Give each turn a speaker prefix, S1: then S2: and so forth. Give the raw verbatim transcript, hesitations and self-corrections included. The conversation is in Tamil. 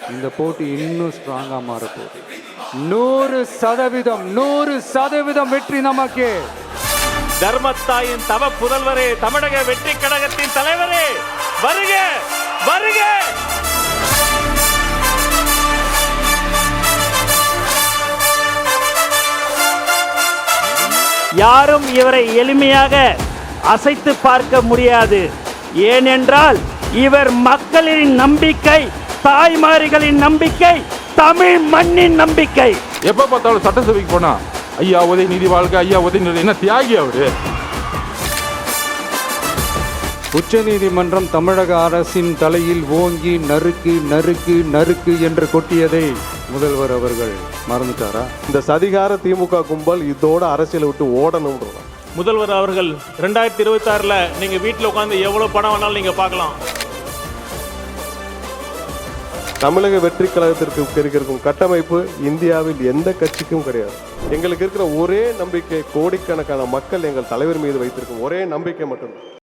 S1: இந்த போட்டி இன்னும் ஸ்ட்ராங்கா மாறப்போகுது. நூறு சதவீதம் நூறு சதவீதம் வெற்றி நமக்கு.
S2: தர்மத்தாயின் தவ புதல்வரே, தமிழக வெற்றி கழகத்தின் தலைவரே, வருக வருக.
S3: யாரும் இவரை எளிமையாக அசைத்து பார்க்க முடியாது. ஏனென்றால் இவர் மக்களின் நம்பிக்கை, தாய்மார்களின் நம்பிக்கை, தமிழ் மண்ணின் நம்பிக்கை.
S4: எப்ப பார்த்தாலும் சட்டசபைக்கு போனா ஐயா உதயநிதி வாழ்க்கை, ஐயா உதயநிதி என்ன தியாகி அவரு.
S1: உச்ச நீதிமன்றம் தமிழக அரசின் தலையில் ஓங்கி நறுக்கு நறுக்கு நறுக்கு என்று கொட்டியதை முதல்வர் அவர்கள் மறந்துட்டாரா?
S5: இந்த சதிகார திமுக கும்பல் இதோட அரசியலை விட்டு ஓடணும்ன்றதா.
S2: முதல்வர் அவர்கள் ரெண்டாயிரத்தி இருபத்தி ஆறுல நீங்க வீட்டில் உட்காந்து எவ்வளவு பணம் வேணாலும் நீங்க பார்க்கலாம்.
S5: தமிழக வெற்றி கழகத்திற்கு இருக்கும் கட்டமைப்பு இந்தியாவில் எந்த கட்சிக்கும் கிடையாது. எங்களுக்கு இருக்கிற ஒரே நம்பிக்கை, கோடிக்கணக்கான மக்கள் எங்கள் தலைவர் மீது வைத்திருக்கும் ஒரே நம்பிக்கை மட்டும்தான்.